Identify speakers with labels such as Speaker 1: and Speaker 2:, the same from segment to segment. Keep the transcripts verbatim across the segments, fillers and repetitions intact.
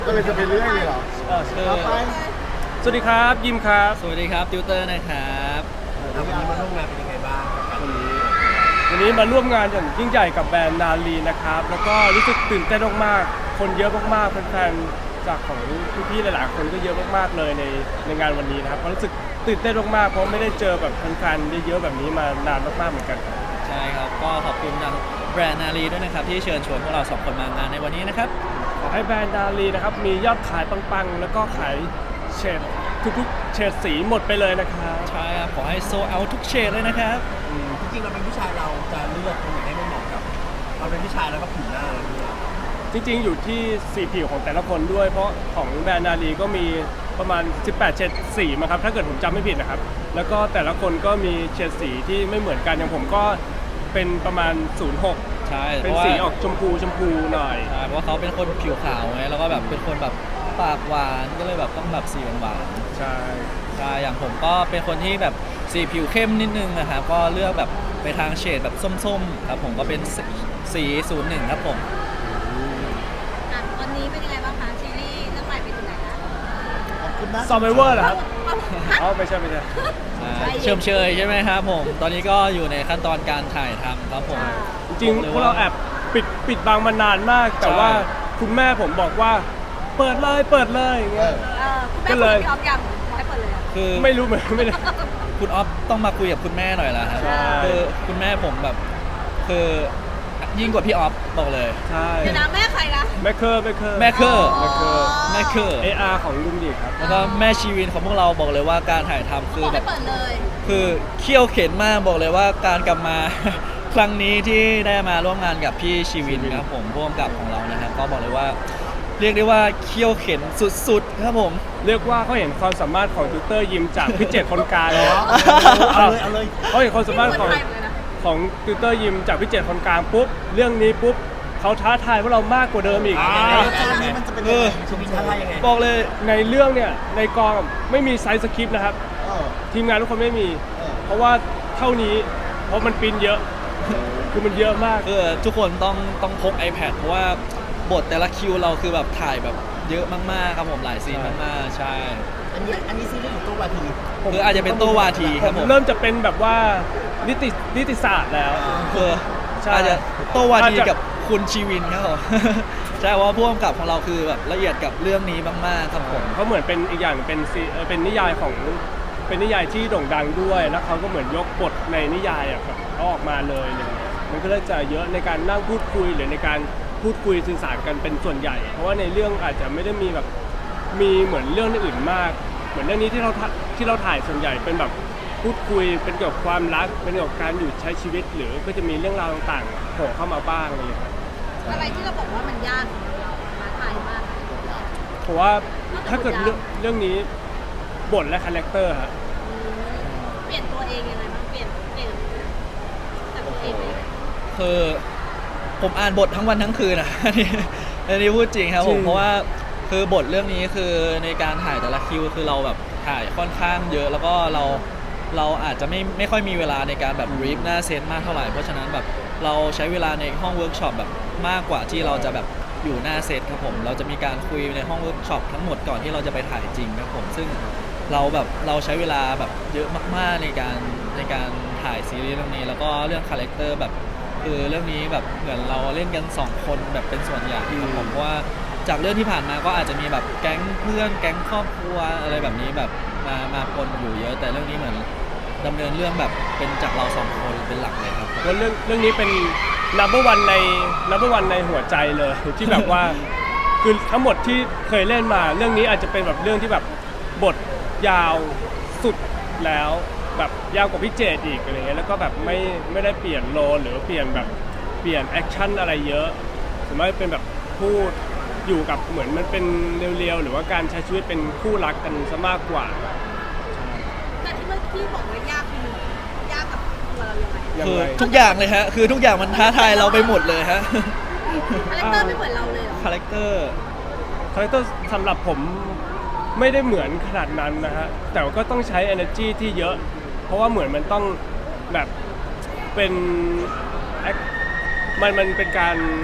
Speaker 1: ก็เลยจะไปเรื่อยเลยเหรอ
Speaker 2: เออเชิญ
Speaker 1: เอาไป
Speaker 2: สวัสดีครับยิมครับ
Speaker 3: สวัสดีครับติวเตอร์นะครับ
Speaker 1: แล้ววันนี้มาร่วมงานเป็นยังไงบ้างกับการนี้
Speaker 2: วันนี้มาร่วมงานอย่างยิ่งใหญ่กับแบรนด์นาลีนะครับแล้วก็รู้สึกตื่นเต้นมากๆคนเยอะมากๆแฟนๆจากของพี่ๆหลายๆคนก็เยอะมากๆเลยในในงานวันนี้นะครับก็รู้สึกตื่นเต้นมากๆเพราะไม่ได้เจอแบบแฟนๆเยอะๆแบบนี้มานานมากๆเหมือนกันครับ
Speaker 3: ใช่ครับก็ขอบคุณทางแบรนด์นาลีด้วยนะครับที่เชิญชวนพวกเราสองคนมางานในวันนี้นะครับ
Speaker 2: ขอให้แบรนด์นาลีนะครับมียอดขายปังๆแล้วก็ขายเฉดทุกๆเฉดสีหมดไปเลยนะครับ
Speaker 3: ใช่ครับขอให้โซเอาทุกเฉดเลยนะครับ
Speaker 1: จริงๆเราเป็นผู้ชายเราจะเลือกตรงไหนให้มันเหมาะกับเราเป็นผู้ชายแล้วก็ผิวหน้าเราด้วย
Speaker 2: จริงๆอยู่ที่สีผิวของแต่ละคนด้วยเพราะของแบรนด์นาลีก็มีประมาณสิบแปดเฉดสีมั้งครับถ้าเกิดผมจำไม่ผิดนะครับแล้วก็แต่ละคนก็มีเฉดสีที่ไม่เหมือนกันอย่างผมก็เป็นประมาณศูนย์หก
Speaker 3: ใช่เพ
Speaker 2: เป็น
Speaker 3: ราะว่า
Speaker 2: สีออกชมพูชมพูหน่อย
Speaker 3: ใช่เพราะว่าเขาเป็นคนผิวขาวไงแล้วก็แบบเป็นคนแบบปากหวานก็เลยแบบต้องแบบสีหวาน
Speaker 2: ใช่
Speaker 3: ๆใช่อย่างผมก็เป็นคนที่แบบสีผิวเข้มนิดนึงนะครับก็เลือกแบบไปทางเฉดแบบส้มๆครับผมก็เป็นสีศูนย์หนึ่งครับผม
Speaker 4: อ่ะวันนี้เป็นยังไงบ้างคะซีรีส์เรื่องใหม่ไปถึงไหนแล้ว
Speaker 1: ขอบคุณนะ
Speaker 2: ซอมไบเวอร์เหรอครับ
Speaker 4: ฮะ
Speaker 2: อ๋อไม่ใช่ไม่ใช่
Speaker 3: อ่าเชิมเชยใช่ไหมครับผม ตอนนี้ก็อยู่ในขั้นตอนการถ่ายทำครับผม
Speaker 2: จริงๆพวกเราแอบปิดปิดบังมานานมาก แต่ว่าคุณแม่ผมบอกว่าเปิดเลยเปิดเลยอย่าง
Speaker 1: เอ
Speaker 2: เงี้ย
Speaker 1: อ
Speaker 4: เออคุณแม่
Speaker 2: ก็
Speaker 4: คุย
Speaker 2: เลย
Speaker 4: กับพี่ออฟยังขอให้เปิดเลยอะ
Speaker 3: คือ
Speaker 2: ไม่รู้เหมือนไม่ได้
Speaker 3: คุณออฟต้องมาคุยกับคุณแม่หน่อยละครับ
Speaker 2: ใช่
Speaker 3: คือคุณแม่ผมแบบคือยิ่งกว่าพี่ออฟบอกเลย
Speaker 2: ใช่
Speaker 4: เดี๋ยวนะแม่ใครนะ
Speaker 2: แม่เคอร์แม่เคอร์
Speaker 3: แม่เคอร์
Speaker 2: แม่เคอร์
Speaker 3: แม่เคอร์
Speaker 2: เออาร์ของลุงดีครับ
Speaker 3: แล้วก็แม่ชีวินของพวกเราบอกเลยว่าการถ่ายทำคื
Speaker 4: บ
Speaker 3: อ
Speaker 4: อก
Speaker 3: แบ
Speaker 4: ให้
Speaker 3: บ
Speaker 4: เปิดเลย
Speaker 3: คือเคี่ยวเข็นมากบอกเลยว่าการกลับมา ครั้งนี้ที่ได้มาร่วมงานกับพี่ชีวินครับผมร่วมกับของเรานะครับก็บอกเลยว่า เรียกได้ว่าเคี่ยวเข็นสุดๆครับผม
Speaker 2: เรียกว่าเขาเห็นความสามารถของติวเตอร์ยิมจากพี่เจ็ดคนกลาง
Speaker 1: เหรอเอาเลยเอาเลย
Speaker 2: เขาเห็นความสามารถของ
Speaker 4: ไทยเหมือนกันนะ
Speaker 2: ของติวเตอร์ยิมจากพี่เจ็ดคนกลางปุ๊บเรื่องนี้ปุ๊บเขาท้าทายพวกเรามากกว่าเดิมอีก
Speaker 1: อ่ารสชาตินี้มันจะเป็นยังไงชีวิตท่าทายยังไง
Speaker 3: บอกเลย
Speaker 2: ในเรื่องเนี่ยในกองไม่มีไซส์สคริปต์นะครับ
Speaker 1: เออ
Speaker 2: ทีมงานทุกคนไม่มี
Speaker 1: เออ
Speaker 2: เพราะว่าเท่านี้เพราะมันปริ้นเยอะ คือมันเยอะมาก
Speaker 3: คือทุกคนต้องต้องพก iPad เพราะว่าบทแต่ละคิวเราคือแบบถ่ายแบบเยอะมากๆครับผมหลายซีนมากๆใช่
Speaker 1: อันนี้อันนี้ซีรีส์ของตัววาที
Speaker 3: คืออาจจะเป็นโตวาทีครับผม
Speaker 2: เริ่มจะเป็นแบบว่านิตินิติศาสตร์แล้ว
Speaker 3: คือ
Speaker 2: ใช่
Speaker 3: อาจจะโตวาที
Speaker 2: อาจจะ
Speaker 3: กับคุณชีวินครับผม ใช่เพราะว่าผู้กำกับของเราคือแบบละเอียดกับเรื่องนี้มากๆครับผม
Speaker 2: เขาเหมือนเป็นอีกอย่างเป็นซีเอ่อเป็นนิยายของเป็นนิยายที่โด่งดังด้วย แล้วเขาก็เหมือนยกบทในนิยายอ่ะครับเขาออกมาเลยอะไรเงี้ยมันก็เลยจะเยอะในการนั่งพูดคุยหรือในการพูดคุยสื่อสารกันเป็นส่วนใหญ่ เพราะว่าในเรื่องอาจจะไม่ได้มีแบบมีเหมือนเรื่องอื่นมาก เหมือนเรื่องนี้ที่เราถ่าที่เราถ่ายส่วนใหญ่เป็นแบบพูดคุยเป็นเกี่ยวกับความรักเป็นเกี่ยวกับการอยู่ใช้ชีวิต หรือก็จะมีเรื่องราวต่างๆโผล่เข้ามาบ้างอะไรอย่างเงี้ยครับ
Speaker 4: อะไรที่เราบอกว่ามันยากของเราท้าทายมาก
Speaker 2: เพราะว่าถ้าเกิดเรื่องเรื่องนี้บทและคาแรคเตอร์ฮะ
Speaker 4: อืมเปลี่ยนตัวเองยังไงบ้างเปลี่ยนเปลี่ยนจากตัวเองไปยังไง
Speaker 3: คือผมอ่านบททั้งวันทั้งคืนอ่ะ อันนี้อันนี้พูดจริงครับผมเพราะว่าคือบทเรื่องนี้คือในการถ่ายแต่ละคิวคือเราแบบถ่ายค่อนข้างเยอะ แล้วก็เราเราอาจจะไม่ไม่ค่อยมีเวลาในการแบบรีฟหน้าเซตมากเท่าไหร่เพราะฉะนั้นแบบเราใช้เวลาในห้องเวิร์กช็อปแบบมากกว่าที่เราจะแบบอยู่หน้าเซตครับผมเราจะมีการคุยในห้องเวิร์กช็อปทั้งหมดก่อนที่เราจะไปถ่ายจริงครับผมซึ่งเราแบบเราใช้เวลาแบบเยอะมากๆในการในการถ่ายซีรีส์เรื่องนี้แล้วก็เรื่องคาแรคเตอร์แบบ คือเรื่องนี้แบบเหมือนเราเล่นกันสองคนแบบเป็นส่วนใหญ่ครับผมเพราะว่าจากเรื่องที่ผ่านมาก็อาจจะมีแบบแก๊งเพื่อนแก๊งครอบครัวอะไรแบบนี้แบบมามาปนอยู่เยอะ แต่เรื่องนี้เหมือนดำเนินเรื่องแบบเป็นจากเราสองคนเป็นหลักเลยครับ
Speaker 2: ว่าเรื่องเรื่องนี้เป็น number one ใน number one ในหัวใจเลย ที่แบบว่า คือทั้งหมดที่เคยเล่นมาเรื่องนี้อาจจะเป็นแบบเรื่องที่แบบบทยาวสุดแล้วแบบยาวกว่าพี่เจดอีกอะไรเงี้ยแล้วก็แบบไม่ไม่ได้เปลี่ยนโลหรือเปลี่ยนแบบเปลี่ยนแอคชั่นอะไรเยอะส่วนมากเป็นแบบพูดอยู่กับเหมือนมันเป็นเรียวๆหรือว่าการใช้ชีวิตเป็นคู่รักกันซะมากกว่า
Speaker 4: แต่ที่เมื่อกี้บอกว่ายากคือยากกับตัวเรายังไง
Speaker 2: ยัง
Speaker 3: คือ
Speaker 2: ไง
Speaker 3: ทุกอย่างเลยฮะคือทุกอย่างมันท้าทายเราไปหมดเลยฮะ
Speaker 4: คาแรคเตอร์ไม่เหมือนเราเลยเหรอ
Speaker 3: คาแรคเตอร์
Speaker 2: คาแรคเตอร์สำหรับผมไม่ได้เหมือนขนาดนั้นนะฮะแต่ว่าก็ต้องใช้ energy ที่เยอะ เพราะว่าเหมือนมันต้องแบบเป็น act- มันมันเป็นการ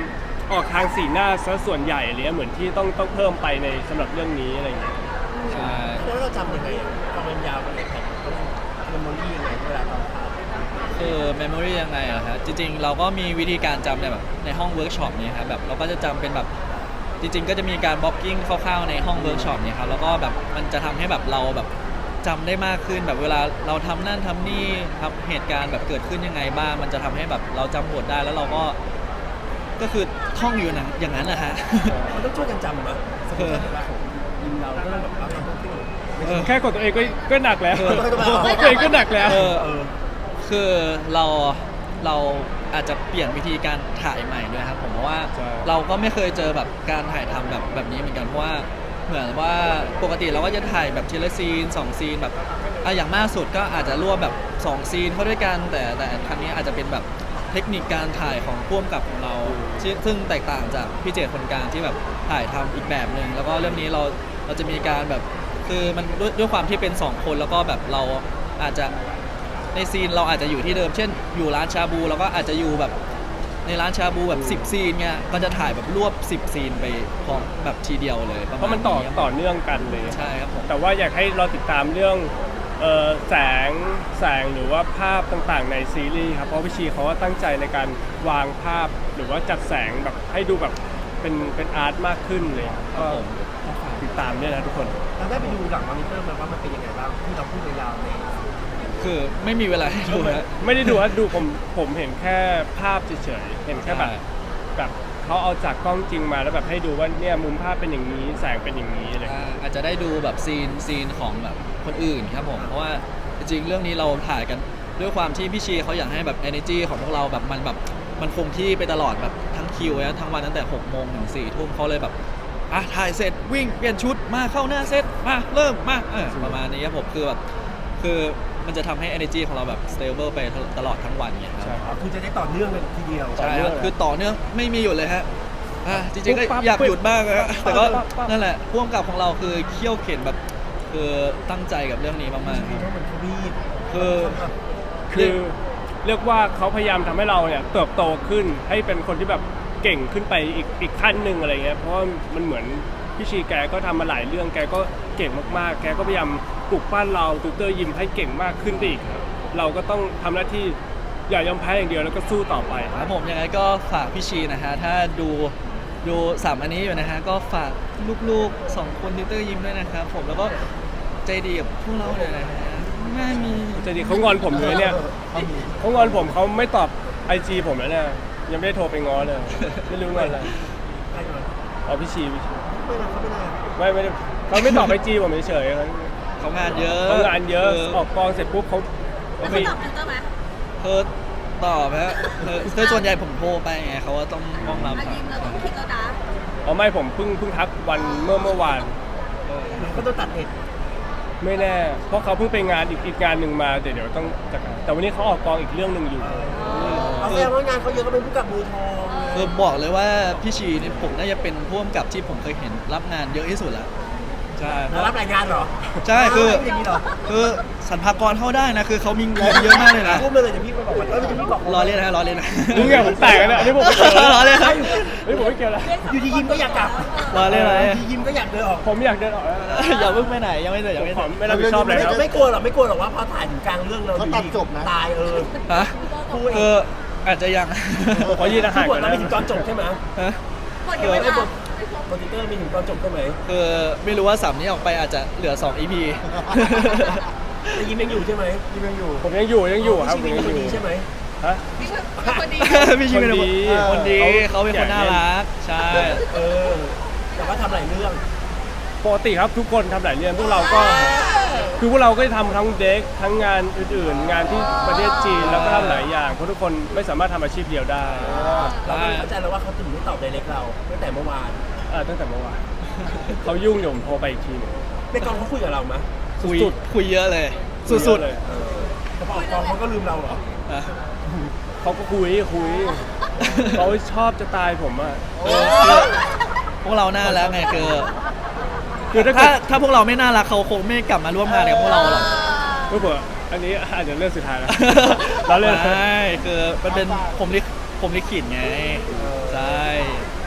Speaker 2: ออกทางสีหน้าซะส่วนใหญ่เลยเหมือนที่ต้องต้องเพิ่มไปในสำหรับเรื่องนี้อะไรอย่างเงี้ย
Speaker 3: ใช่
Speaker 1: แล้วเราจำยังไงอ่ะพอมันยาวไปเลยแต่ต้องเมมโมรี่ยังไงเวลาตอนถ่าย
Speaker 3: คือเมมโมรียังไงอะฮะจริงๆ เราก็มีวิธีการจำในแบบในห้องเวิร์กช็อปนี้ครับแบบเราก็จะจำเป็นแบบจริงๆ ก็จะมีการบล็อกกิ้งคร่าวๆในห้องเวิร์กช็อปนี้ครับแล้วก็แบบมันจะทำให้แบบเราแบบจำได้มากขึ้นแบบเวลาเราทำนั่นทำนี่ครับเหตุการณ์แบบเกิดขึ้นยังไงบ้างมันจะทำให้แบบเราจำบทได้แล้วเราก็ก็คือท่องอยู่นะอย่างนั้นนะฮะ
Speaker 1: มันต้องช่วยกันจำอ่ะสมมติถ้าเวลาของยิมเราก็ต้องแบบเราต้องต้องไม่
Speaker 3: เอ
Speaker 1: ใช่
Speaker 3: อ
Speaker 2: แค่กดตัวเองก็ก็หนักแล้ว
Speaker 1: เออต้องต้องต้อง
Speaker 2: ตัวเองก็หนักแล้ว
Speaker 3: เออ
Speaker 1: เออ
Speaker 3: คือเราเราอาจจะเปลี่ยนวิธีการถ่ายใหม่ด้วยครับผมเพราะว่า
Speaker 2: ใช่
Speaker 3: เราก็ไม่เคยเจอแบบการถ่ายทำแบบแบบนี้เหมือนกันเพราะว่าเหมือนว่าปกติเราก็จะถ่ายแบบทีละซีนสองซีนแบบอ่ะอย่างมากสุดก็อาจจะรวบแบบสองซีนเข้าด้วยกันแต่แต่ครั้งนี้อาจจะเป็นแบบเทคนิคการถ่ายของพ่วงกับของเราซึ่งซึ่งแตกต่างจากพี่เจตคนกลางที่แบบถ่ายทำอีกแบบหนึ่งแล้วก็เรื่องนี้เราเราจะมีการแบบคือมันด้วยด้วยความที่เป็นสองคนแล้วก็แบบเราอาจจะ ในซีนเราอาจจะอยู่ที่เดิม เช่น อยู่ร้านชาบูเราก็อาจจะอยู่แบบในร้านชาบูแบบสิบซีนเงี้ย ก็จะถ่ายแบบรวบสิบซีนไปพร้อมแบบทีเดียวเลยป
Speaker 2: เพราะมันต่อต่อเนื่องกันเลย
Speaker 3: ใช่ครับผม
Speaker 2: แต่ว่าอยากให้เราติดตามเรื่องเอ่อแสงแสงหรือว่าภาพต่างๆในซีรีส์ครับเพราะพี่ชีเขาว่าตั้งใจในการวางภาพหรือว่าจัดแสงแบบให้ดูแบบเป็นเป็นอาร์ตมากขึ้นเลยครับก็ติดตามด้วยนะทุกคน
Speaker 1: เราได้ไปดูหลังมอนิเตอร์มาว่ามันเป็นยังไงบ้างที่เราพูดยาวๆใน
Speaker 3: คือไม่มีเวลาให้ดูนะ
Speaker 2: ไม่ได้ดูว่าดูผมผมเห็นแค่ภาพเฉยๆเห็นแค่แบบ
Speaker 3: ใช่
Speaker 2: แบบเขาเอาจากกล้องจริงมาแล้วแบบให้ดูว่าเนี่ยมุมภาพเป็นอย่างนี้แสงเป็นอย่างนี้อะไรอย่างเลย
Speaker 3: อ่าอาจจะได้ดูแบบซีนซีนของแบบคนอื่นครับผม เพราะว่าจริงๆเรื่องนี้เราถ่ายกันด้วยความที่พี่ชีเขาอยากให้แบบ energy ของพวกเราแบบมันแบบมันคงที่ไปตลอดแบบทั้งคิวนะทั้งวันตั้งแต่หกโมงถึงสี่ทุ่มเขาเลยแบบอ่ะถ่ายเสร็จวิ่งเปลี่ยนชุดมาเข้าหน้าเซตมาเริ่มมาเออประมาณนี้ครับผมคือแบบคือมันจะทำให้ energy ของเราแบบ stable ไปตลอดทั้งวันไงครับ
Speaker 2: ใช่ครับ
Speaker 1: คือจะได้ต่อเนื่องกันทีเดียว
Speaker 3: ใช่ครับคือต่อเนื่องไม่มีหยุดเลยฮะอ่ะจริงๆก็
Speaker 2: ปุ๊บปั๊บ
Speaker 3: อยากหยุดบ้างนะแต่ก็
Speaker 2: ปั๊บปั๊บ
Speaker 3: นั่นแหละพ่วงกับของเราคือเขี้ยวเข็นแบบคือตั้งใจกับเรื่องนี้มากๆ
Speaker 1: มี
Speaker 3: ครับ
Speaker 1: ทั้งเหมือนทวีป
Speaker 3: คือ
Speaker 2: คือเรียกว่าเขาพยายามทำให้เราเนี่ยเติบโตขึ้นให้เป็นคนที่แบบเก่งขึ้นไปอีกอีกขั้นหนึ่งอะไรเงี้ยเพราะว่ามันเหมือนพี่ชีแกก็ทำมาหลายเรื่องแกก็เก่งมากๆ แกก็พยายามปลุกปั้นเราตูเตอร์ยิมให้เก่งมากขึ้นไปอีกครับเราก็ต้องทำหน้าที่อย่ายอมแพ้อย่างเดียวแล้วก็สู้ต่อไป
Speaker 3: ครับผมยังไงก็ฝากพี่ชีนะฮะถ้าดูดูสามอันนี้อยู่นะฮะก็ฝากลูกๆสองคนติวเตอร์ยิ้มด้วยนะครับผมแล้วก็ใจดีกับพวกเราเลยนะฮะไม่มี
Speaker 2: ใจดีเขางอนผมเลยเนี่ยเขางอนผมเขาไม่ตอบไอจีผมแล้วเนี่ยยังไม่ได้โทรไปง้อเลยไม่รู้งอนอะไร
Speaker 1: ใครก่อน
Speaker 2: อ๋อพี่ชีพี่ชี
Speaker 1: ไม่นะเขาไม่ได้
Speaker 2: ไม่ไม่ได้เขาไม่ตอบไอจีผมเฉยๆเขา
Speaker 3: เขางานเยอะ
Speaker 2: เขางานเยอะ
Speaker 3: คือ
Speaker 2: ออกกองเสร็จปุ๊บเขา
Speaker 4: แล้ว
Speaker 2: มี
Speaker 4: เขาตอบฟิลเตอร์ไหม
Speaker 3: เธอตอบฮะเธอคือส่วนใหญ่ผมโทรไปไงเขาว่าต้องต้องรับ
Speaker 4: อายิมเราต้องคิดแล้วนะ
Speaker 2: อ๋อไม่ผมเพิ่งเพิ่งทักวันเมื่อเมื่อวาน
Speaker 1: หรือเขาต้องตัดเน็ต
Speaker 2: ไม่แน่ เพราะเขาเพิ่งไปงานอีกอีกงานหนึ่งมาเดี๋ยวเดี๋ยวต้องจัดการแต่วันนี้เขาออกกองอีกเรื่องหนึ่งอยู่
Speaker 1: เอาแสดงว่างานเขาเยอะก็เป็นผู้กับมือทอง
Speaker 3: คือบอกเลยว่าพี่ชีนี่ผมน่าจะเป็นพ่วงกับที่ผมเคยเห็นรับงานเยอะที่สุดแล้ว
Speaker 2: ใช่
Speaker 1: แล้วรับรายงานเหรอ
Speaker 3: ใช่คือ
Speaker 1: ไม่อย่างนี้เหรอ
Speaker 3: คือสรรพากรเข้าได้นะ คือเขามีเงินเยอะมากเลยนะ
Speaker 1: พูดมาเลยเดี๋ยวพี่ไปบอกว่าเออเดี๋ยวพี่บอก
Speaker 3: รอเล่นนะรอเล่นนะ
Speaker 2: มึงไงผมแตกแล้วเนี่ยอันนี้ผมไม่เกี่ยว
Speaker 3: รอเล่นครับ
Speaker 2: อันนี้ผมไม่เกี่ยวแล้ว
Speaker 1: อยู่ดียิ้มก็อยากกลับ
Speaker 3: รอเล่นอะไร
Speaker 1: อยู่ดียิ้มก็อยากเดินออก
Speaker 2: ผมอยากเดินออกแล้ว
Speaker 3: อย่าเพิ่งไปไหนยังไม่เสร็จยังไม่
Speaker 2: ผ
Speaker 3: เสร็
Speaker 2: ม
Speaker 3: จ
Speaker 2: ไม่รับผิดชอบเลย
Speaker 1: ไม่
Speaker 2: ครับ
Speaker 1: ไม่กลัวหรอกไม่กลัวหรอกว่าพอถ่ายถึงกลางเรื่องเรา
Speaker 5: เขาตัดจบนะ
Speaker 1: ตายเออ
Speaker 3: ฮะ
Speaker 1: พูดเอ
Speaker 3: คือง อาจจะยัง
Speaker 2: ขอยืนอา
Speaker 1: คื
Speaker 2: หา
Speaker 1: อ
Speaker 2: ร
Speaker 1: บ
Speaker 2: ก่
Speaker 1: ท
Speaker 2: อน
Speaker 1: เรา
Speaker 2: นะ
Speaker 1: ไม่ถึงตอนจบใช่ไหม
Speaker 3: ฮะ
Speaker 4: หมดยังไม่
Speaker 1: ไอ้บ
Speaker 4: มา
Speaker 1: ทโปรดิวเตอร์มีถึงตอนจบใช่ไหม
Speaker 3: คือไม่รู้ว่าสัมนี้ออกไปอาจจะเหลือสอง อี พี
Speaker 1: แต่ยิ้มยังอยู่ใช่ไหม
Speaker 5: ที่ยังอยู่
Speaker 2: ผมยังอยู่ยังอยู่ครับ
Speaker 1: พี่
Speaker 2: ผม
Speaker 1: ชี
Speaker 2: ยัง
Speaker 1: เป็น
Speaker 2: อ
Speaker 1: คน
Speaker 2: ยู่
Speaker 1: ดีใช่ไหม
Speaker 2: ฮะ
Speaker 4: พี่เป็นคนดี
Speaker 3: พี่ชิวเป็น
Speaker 2: คนดี
Speaker 3: คนดี
Speaker 2: เขา
Speaker 3: เขาเป็นคนน่ารัก ใช่
Speaker 1: เออ แต่ว่าทำหลายเรื่อง
Speaker 2: ปกติครับทุกคนทำหลายเรื่องพวกเราก็คือพวกเราก็จะทำทั้งเด็กทั้งงานอื่นๆ งานที่ประเทศจีนแล้วก็ทำหลายอย่างเพราะทุกคนไม่สามารถทำอาชีพเดียวได้
Speaker 1: เราก็เลยเข้าใจแล้วว่าเขาถึงไม่ตอบไดเรกเราตั้งแต่เมื่อวาน
Speaker 2: อ่าตั้งแต่เมื่อวานเขายุ่งอยู่ผมโทรไปอีกทีหนึง
Speaker 1: ในกองเขาคุยกับเราไหม
Speaker 3: คุย
Speaker 2: สุด
Speaker 3: คุยเยอะเลย สุด
Speaker 2: เยอะเลย
Speaker 1: เออแต่พอออกกองเขาก็ลืมเราเหรอ
Speaker 3: ๆอ่ะ
Speaker 2: เขาก็คุยคุยเขาชอบจะตายผมอ่ะ
Speaker 3: เออคือพวกเราน่ารักไงคือ
Speaker 2: คือถ้า
Speaker 3: ถ้า
Speaker 2: เกิด
Speaker 3: ถ้าพวกเราไม่น่ารักเขาคงไม่กลับมาร่วมงานกับพวกเราหรอก
Speaker 2: เพื่ออันนี้อาจจะเรื่องสุดท้ายแล้ว เราเล่น
Speaker 3: ใช่คือมันเป็นผมลิขผมลิขิตไง ใช่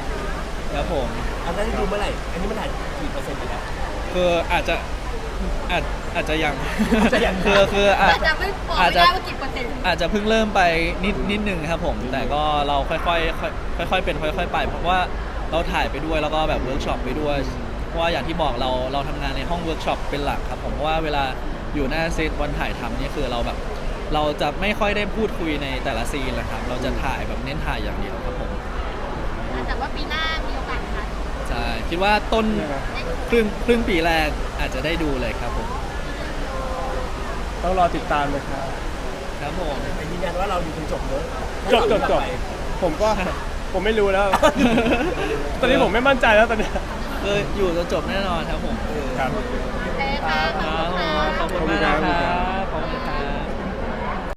Speaker 3: ครับผม
Speaker 1: อันนั้นได้ดูเมื่อไหร่ อันนี้มันถ่ายกี่เปอร์เซ็นต์ไปแล้ว
Speaker 3: คืออาจจะอาจอาจจะยัง
Speaker 1: อาจจะยัง
Speaker 3: คือคืออาจ
Speaker 4: อาจจะไม่บอก
Speaker 3: อาจ
Speaker 4: ไม่
Speaker 3: จะ
Speaker 4: ได้ว่ากี่เปอร์เซ็นต์
Speaker 3: อาจจะเพิ่งเริ่มไปนิดนิดนึงครับผม แต่ก็เราค่อยๆค่อยๆค่อยๆเป็นค่อย ๆ ไป เพราะว่าเราถ่ายไปด้วยแล้วก็แบบเวิร์กช็อปไปด้วย เพราะว่าอย่างที่บอกเราเราทำงานในห้องเวิร์กช็อปเป็นหลักครับผมเพราะว่าเวลาอยู่หน้าเซตวันถ่ายทำนี่คือเราแบบ เราจะไม่ค่อยได้พูดคุยในแต่ละซีนเลยครับ เราจะถ่ายแบบเน้นถ่ายอย่างเดียวครับผม
Speaker 4: แต่ว่าปีหน้ามีโอกาสค่ะ
Speaker 3: ใช่คิดว่าต้น
Speaker 4: ได้ดู
Speaker 3: ครึ่งครึ่งปีแรกอาจจะได้ดูเลยครับผม
Speaker 2: ต้องรอติดตามนะครับ
Speaker 3: ครับผม
Speaker 1: แต่ยืนยันว่าเราอยู่จนจบเนอะ
Speaker 2: จบจบจบผมก็ผมไม่รู้แล้ว ตอนนี้ผมไม่มั่นใจแล้วตอนเนี้ย
Speaker 3: คืออยู่จนจบแน่นอนครับผม
Speaker 2: ครับ
Speaker 4: โอเคค่ะขอบคุณค่ะ
Speaker 3: ขอบคุณมากนะครับ